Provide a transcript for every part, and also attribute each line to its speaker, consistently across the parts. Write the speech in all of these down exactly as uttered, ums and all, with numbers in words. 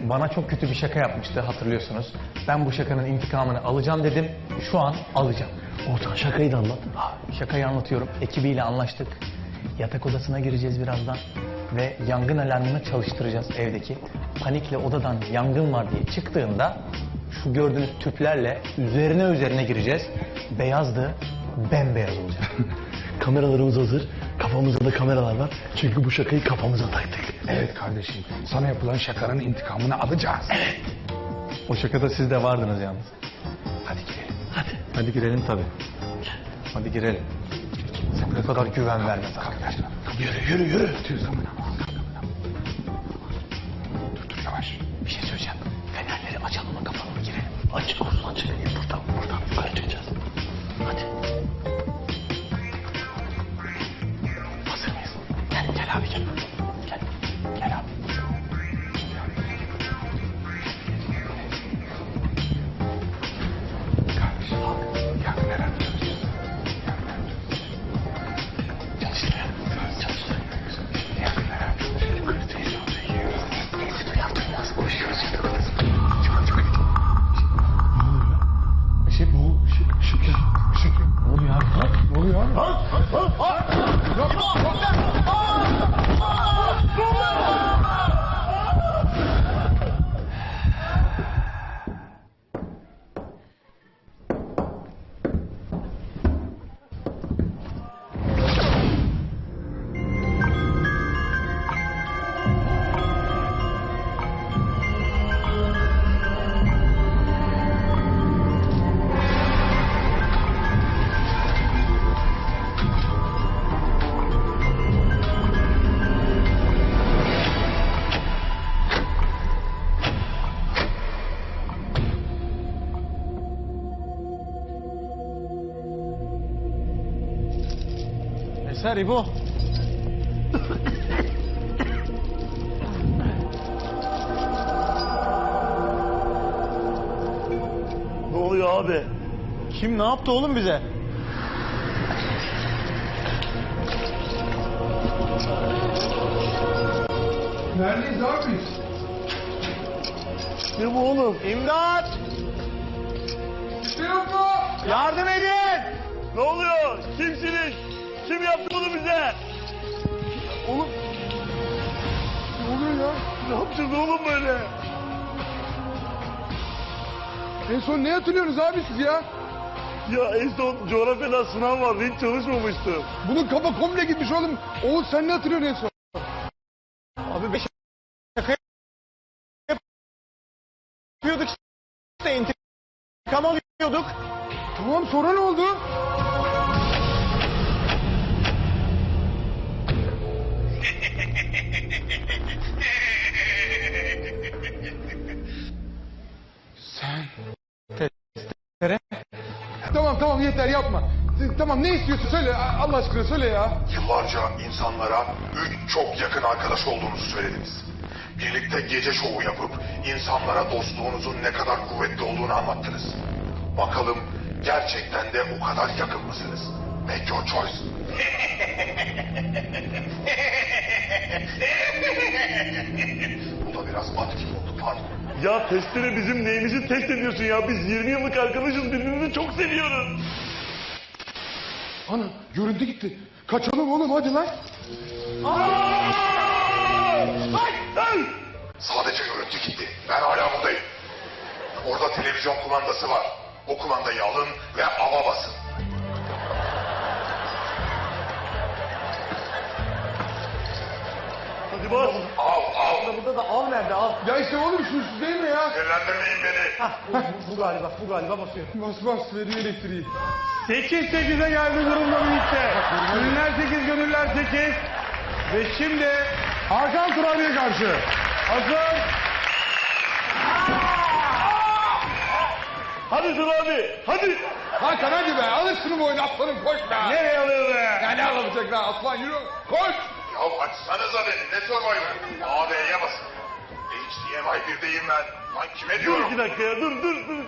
Speaker 1: bana çok kötü bir şaka yapmıştı, hatırlıyorsunuz. Ben bu şakanın intikamını alacağım dedim. Şu an alacağım.
Speaker 2: Ortak şakayı da anlat.
Speaker 1: Şakayı anlatıyorum. Ekibiyle anlaştık. Yatak odasına gireceğiz birazdan. Ve yangın alarmını çalıştıracağız evdeki. Panikle odadan yangın var diye çıktığında şu gördüğünüz tüplerle üzerine üzerine gireceğiz. Beyazdı, bembeyaz olacak.
Speaker 2: Kameralarımız hazır. Kafamızda da kameralar var. Çünkü bu şakayı kafamıza taktık.
Speaker 3: Evet kardeşim, sana yapılan şakanın intikamını alacağız.
Speaker 1: Evet. O şakada siz de vardınız yalnız.
Speaker 3: Hadi girelim.
Speaker 1: Hadi. Hadi girelim tabii. Hadi girelim. Sen bu kadar güven verme.
Speaker 3: Yürü yürü yürü. Tüy zaman ama. Dur dur yavaş.
Speaker 1: Bir şey söyleyeceğim. Fenerleri açalım mı, kapalı mı, girelim?
Speaker 2: Açık olsun açık. Buradan buradan yukarı çıkacağız. Hadi.
Speaker 1: Hazır mıyız? Gel, gel abi gel. Gel, gel abi.
Speaker 3: Kardeşim yakın herhalde çalışacağız.
Speaker 1: Çalıştırıyor. Çalıştırıyor.
Speaker 3: Yakın herhalde çalışacağız. Yukarı televizyonda yiyoruz.
Speaker 1: Neyse duyar duymaz koşuyoruz yatak odasına.
Speaker 3: Çok çok iyi.
Speaker 1: Işık bu. Işık. Işık ya.
Speaker 3: Işık.
Speaker 1: Ne oluyor abi? Ha?
Speaker 3: Ne oluyor abi?
Speaker 1: Ha? Ha? Eser İbo.
Speaker 2: Ne oluyor abi?
Speaker 1: Kim ne yaptı oğlum bize?
Speaker 3: Neredeyiz abi biz?
Speaker 2: Ne bu oğlum?
Speaker 1: İmdat!
Speaker 3: Şey yok mu?
Speaker 1: Yardım edin!
Speaker 2: Ne oluyor? Kimsiniz? Kim yaptı bunu bize? Oğlum
Speaker 3: Ne oluyor ya?
Speaker 2: ne yapacağız oğlum böyle?
Speaker 3: En son ne hatırlıyorsunuz abi siz ya?
Speaker 2: Ya en son coğrafyadan sınav vardı, hiç çalışmamıştım.
Speaker 3: Bunun kafa komple gitmiş oğlum. Oğuz sen ne hatırlıyorsun en son?
Speaker 1: Abi bir şaka yapıyorduk işte, intikam alıyorduk.
Speaker 3: Tamam sonra ne oldu? Sen...
Speaker 1: Tere.
Speaker 3: Tamam tamam yeter yapma. Tamam ne istiyorsun söyle Allah aşkına söyle ya.
Speaker 4: Yıllarca insanlara üç çok yakın arkadaş olduğunuzu söylediniz. Birlikte gece şovu yapıp insanlara dostluğunuzun ne kadar kuvvetli olduğunu anlattınız. Bakalım gerçekten de o kadar yakın mısınız? Make your choice. Bu da biraz at gibi oldu, pardon.
Speaker 2: Ya testere bizim neyimizi test ediyorsun ya? Biz yirmi yıllık arkadaşız, birbirimizi çok seviyoruz.
Speaker 3: Ana görüntü gitti. Kaçalım oğlum hadi lan.
Speaker 4: Sadece görüntü gitti. Ben hala buradayım. Orada televizyon kumandası var. O kumandayı alın ve ava basın.
Speaker 2: Hadi bas.
Speaker 4: Av, av.
Speaker 1: Burada da al nerede, al.
Speaker 3: Ya işte oğlum şu değil mi ya?
Speaker 4: Sinirlendirmeyin beni.
Speaker 1: Bu, bu galiba, bu galiba basıyor.
Speaker 3: Bas bas veriyor elektriği.
Speaker 5: sekiz sekize geldi durumda birlikte. Gönüller sekiz, gönüller sekiz. Ve şimdi Hakan Turabi'ye karşı. Hazır.
Speaker 2: Hadi Dur abi, hadi.
Speaker 3: Hakan hadi be alırsın bu oyunu aslanım koş be.
Speaker 5: Nereye alıyor be?
Speaker 3: Ya ne alamayacak lan aslan yürü koş.
Speaker 4: Ya açsanıza beni. Ne Survivor? A B'ye basın. H D M I birdeyim ben. Lan kime
Speaker 2: Dur
Speaker 4: diyorum?
Speaker 2: iki dakika ya, dur dur dur.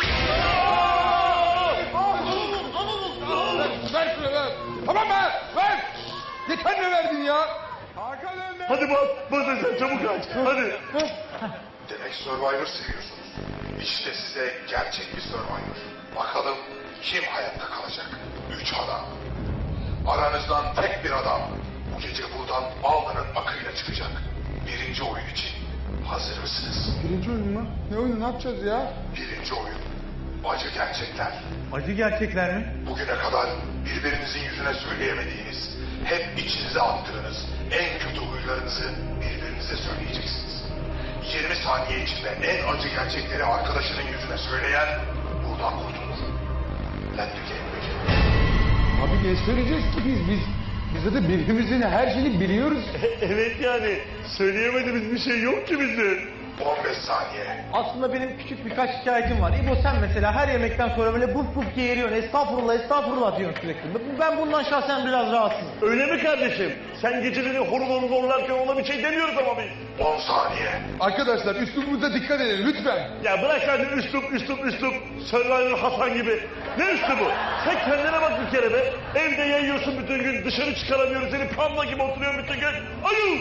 Speaker 3: Ver şunu ver. Tamam be ver. Yeter ne verdin ya?
Speaker 5: Hakan önde.
Speaker 2: Hadi bas, bas sen çabuk aç. Hadi.
Speaker 4: Demek Survivor seviyorsunuz. İşte size gerçek bir Survivor. Bakalım kim hayatta kalacak? Üç adam. Aranızdan tek bir adam bu gece buradan alnının akıyla çıkacak. Birinci oyun için hazır mısınız?
Speaker 3: Birinci oyun mu? Ne oyunu, ne yapacağız ya?
Speaker 4: Birinci oyun. Acı gerçekler.
Speaker 5: Acı gerçekler mi?
Speaker 4: Bugüne kadar birbirinizin yüzüne söyleyemediğiniz, hep içinize attığınız en kötü huylarınızı birbirinize söyleyeceksiniz. yirmi saniye içinde en acı gerçekleri arkadaşının yüzüne söyleyen buradan kurtulur. Let the game begin.
Speaker 3: Abi ne söyleyeceğiz ki biz? Biz, biz zaten birbirimizin her şeyini biliyoruz.
Speaker 2: Evet yani söyleyemediğimiz bir şey yok ki bizim.
Speaker 4: on beş saniye.
Speaker 6: Aslında benim küçük birkaç şikayetim var. İbo sen mesela her yemekten sonra böyle buf buf geğiriyorsun. Estağfurullah estağfurullah diyorsun sürekli. Ben bundan şahsen biraz rahatsızım.
Speaker 2: Öyle mi kardeşim? Sen geceleri horul horul horlarken ona bir şey demiyoruz ama biz.
Speaker 4: on saniye.
Speaker 3: Arkadaşlar üslubumuza dikkat edelim lütfen.
Speaker 2: Ya bırak sen de üslup üslup üslup. Survivor Hasan gibi. Ne üslubu? Sen kendine bak bir kere be. Evde yayıyorsun bütün gün. Dışarı çıkaramıyoruz. Seni panda gibi oturuyorsun bütün gün. Ayıl!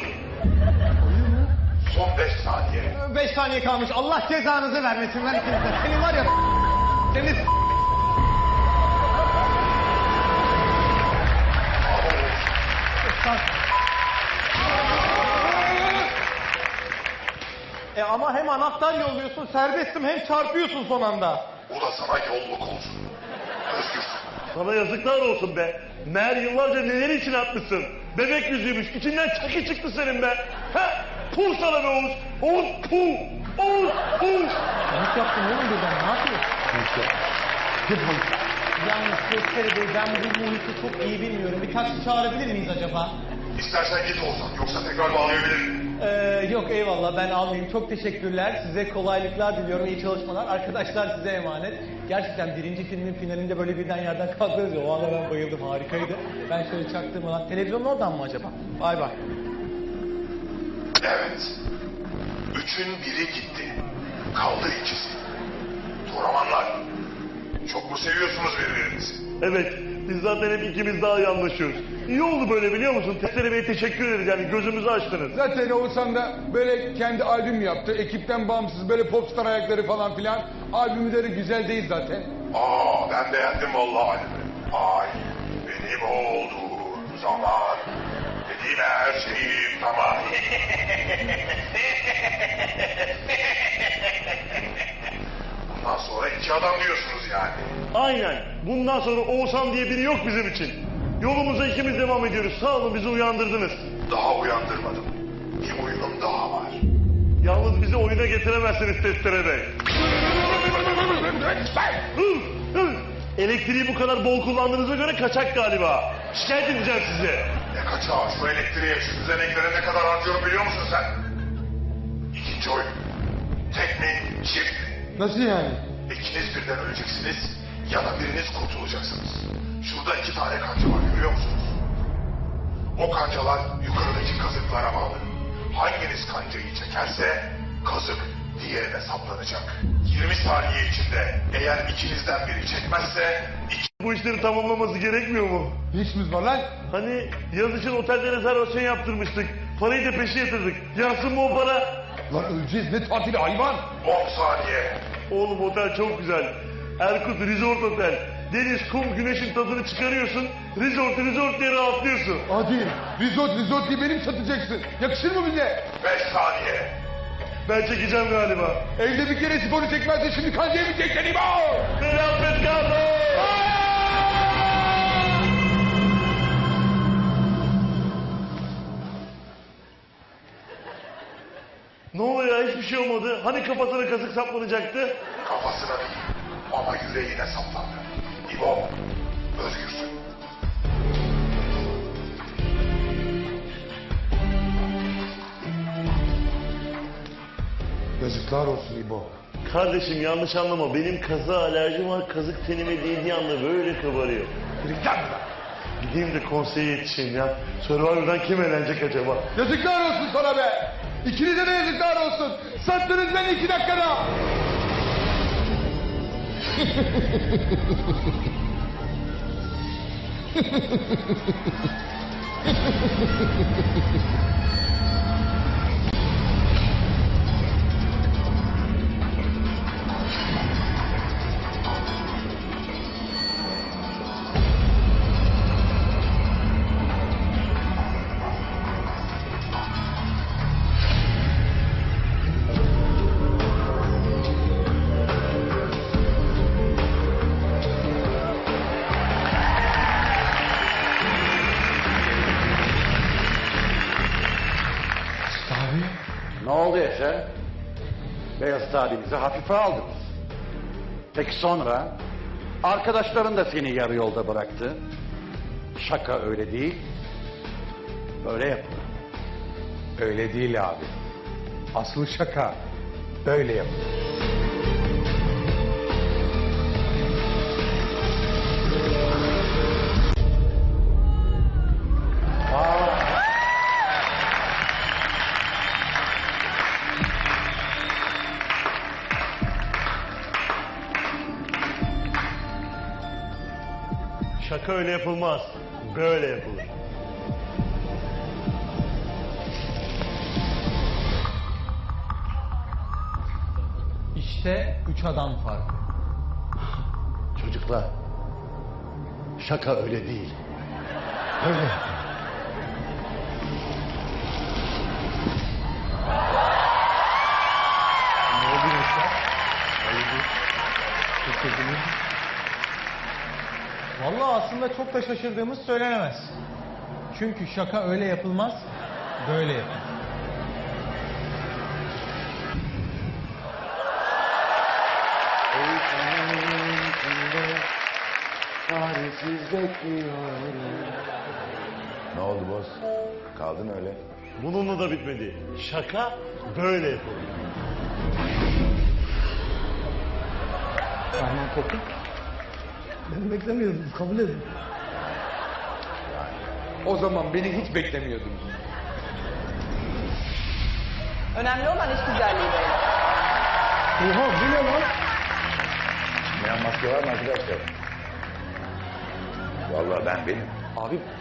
Speaker 4: Son beş saniye.
Speaker 6: Beş saniye kalmış. Allah cezanızı vermesin lan ikinize. Senin var ya seni E ama hem anahtar yolluyorsun, serbestim, hem çarpıyorsun son anda.
Speaker 4: Bu da sana yolluk olsun. Özgürsün.
Speaker 2: Sana yazıklar olsun be. Meğer yıllarca neler için atmışsın. Bebek yüzüymüş. İçinden çaki çıktı senin be. Ha? Puh sana be Oğuz. Oğuz puh. Oğuz puh.
Speaker 6: Panik yaptın oğlum birden, ne yapıyorsun? Yalnız Gösteri Bey, ben bu muhiti çok iyi bilmiyorum. Bir taksi çağırabilir miyiz acaba?
Speaker 4: İstersen git olsan yoksa tekrar bağlayabilirim.
Speaker 6: Ee, yok eyvallah, ben almayayım. Çok teşekkürler. Size kolaylıklar diliyorum. İyi çalışmalar. Arkadaşlar size emanet. Gerçekten birinci filmin finalinde böyle birden yerden kalkıyoruz ya. O anda ben bayıldım. Harikaydı. Ben şöyle çaktırmadan. Televizyonun oradan mı acaba? Bay bay.
Speaker 4: Evet. Üçün biri gitti. Kaldı ikisi. Toramanlar. Çok mu seviyorsunuz birbirinizi?
Speaker 2: Evet. Biz zaten hep ikimiz daha iyi anlaşıyoruz. İyi oldu böyle biliyor musun? Testere Bey'e teşekkür ederiz yani gözümüzü açtınız.
Speaker 3: Zaten Oğuzhan da böyle kendi albüm yaptı. Ekipten bağımsız böyle popstar ayakları falan filan. Albümleri güzel değil zaten.
Speaker 4: Aa ben beğendim vallahi albümü. Ay benim olduğum zaman dediğim her şeyim tamam. Bundan sonra iki adam diyorsunuz yani.
Speaker 2: Aynen. Bundan sonra Oğuzhan diye biri yok bizim için. Yolumuza ikimiz devam ediyoruz. Sağ olun bizi uyandırdınız.
Speaker 4: Daha uyandırmadım. Bir oyunum daha var.
Speaker 2: Yalnız bizi oyuna getiremezsiniz Testere Bey. Hıh, hıh. Elektriği bu kadar bol kullandığınıza göre kaçak galiba. Şikayet edeceğim size.
Speaker 4: Ne kaçağı şu elektriğe şu düzeneklere ne kadar harcıyorum biliyor musun sen? İkinci oyun. Tek mi çift mi?
Speaker 3: Nasıl yani?
Speaker 4: İkiniz birden öleceksiniz ya da biriniz kurtulacaksınız. Şurada iki tane kanca var görüyor musunuz? O kancalar yukarıdaki kazıklara bağlı. Hanginiz kancayı çekerse kazık diğerine saplanacak. yirmi saniye içinde eğer ikinizden biri çekmezse iki...
Speaker 2: Bu işleri tamamlaması gerekmiyor mu?
Speaker 3: Ne işimiz var lan?
Speaker 2: Hani yaz için otelde rezervasyon yaptırmıştık. Parayı da peşin yatırdık. Yansın mı o para?
Speaker 3: Lan öleceğiz, ne tatili hayvan?
Speaker 4: on saniye.
Speaker 2: Oğlum otel çok güzel. Erkut Resort Otel. Deniz, kum, güneşin tadını çıkarıyorsun. Resort, resort diye rahatlıyorsun.
Speaker 3: Hadi risot risot diye benim satacaksın. Yakışır mı bize?
Speaker 4: beş saniye.
Speaker 2: Ben çekeceğim galiba.
Speaker 3: Evde bir kere sporu çekmezse şimdi kancayı mı çekeceksin İbo?
Speaker 2: Selamet kalın. Ne oluyor ya hiçbir şey olmadı. Hani kafasına kazık saplanacaktı?
Speaker 4: Kafasına değil ama yüreğine saplandı. İbo, özgürsün.
Speaker 3: Yazıklar olsun İbo.
Speaker 2: Kardeşim yanlış anlama. Benim kazığa alerjim var. Kazık tenime değdiği anda böyle kabarıyor.
Speaker 3: Gel buradan.
Speaker 2: Gideyim de konseye yetişeyim ya. Survivor'dan kim eğlenecek acaba?
Speaker 3: Yazıklar olsun sana be. İkinize de yazıklar olsun. Sattınız beni iki dakikada.
Speaker 7: Ne oldu Yaşar? Beyaz abimizi hafife aldınız. Peki sonra? Arkadaşların da seni yarı yolda bıraktı. Şaka öyle değil. Böyle yapılır.
Speaker 3: Öyle değil abi. Asıl şaka böyle yapılır.
Speaker 2: Şaka öyle yapılmaz. Böyle yapılır.
Speaker 1: İşte üç adam farkı.
Speaker 7: Çocuklar, şaka öyle değil. Öyle.
Speaker 6: Vallahi aslında çok da şaşırdığımız söylenemez. Çünkü şaka öyle yapılmaz, böyle yapılır.
Speaker 4: Ne oldu boz? Kaldın öyle.
Speaker 2: Bununla da bitmedi. Şaka böyle yapılır.
Speaker 1: Rahman Korkut. Ben beklemiyordum, kabul edin.
Speaker 3: O zaman beni hiç beklemiyordunuz.
Speaker 8: Önemli olan iş güzelliği beyler.
Speaker 1: Oha bu ne lan?
Speaker 4: Çıkmayan maske var mı arkadaşlar? Vallahi ben benim.
Speaker 1: Abi